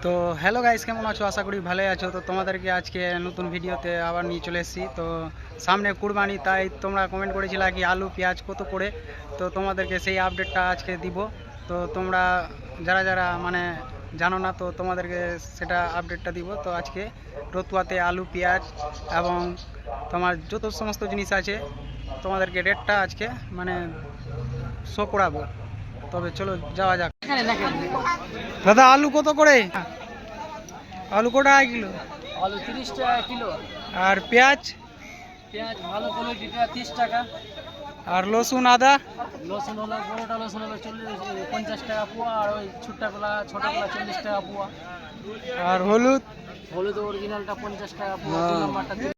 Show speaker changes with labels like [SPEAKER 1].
[SPEAKER 1] তো hello guys, কেমন আছো? আশা করি ভালোই আছো। তো তোমাদেরকে আজকে নতুন ভিডিওতে আবার নিয়ে চলে এসেছি। তো সামনে কুরবানি, তাই তোমরা কমেন্ট করেছিলে কি আলু পেঁয়াজ কত করে। তো তোমাদেরকে সেই আপডেটটা আজকে দিব। তো তোমরা যারা যারা মানে জানো না, তো তোমাদেরকে সেটা আপডেটটা দিব। তো আজকে রতুয়াতে আলু পেঁয়াজ এবং তোমার যত সমস্ত জিনিস আছে তোমাদেরকে রেটটা আজকে মানে শো করাবো। তবে চলো যাওয়া যাক। দাদা আলু কত করে? আলু কত টাকা কিলো?
[SPEAKER 2] আলু 30 টাকা কিলো।
[SPEAKER 1] আর পেঁয়াজ?
[SPEAKER 2] পেঁয়াজ ভালো কোয়ালিটিটা 30 টাকা।
[SPEAKER 1] আর রসুন আদা?
[SPEAKER 2] রসুন হলো বড়োটা রসুন হলো 50 টাকা পোয়া, আর ওই ছোটগুলা 40 টাকা পোয়া।
[SPEAKER 1] আর হলুদ?
[SPEAKER 2] হলুদ অরিজিনালটা 50 টাকা পোয়া, 2 নম্বরটা 30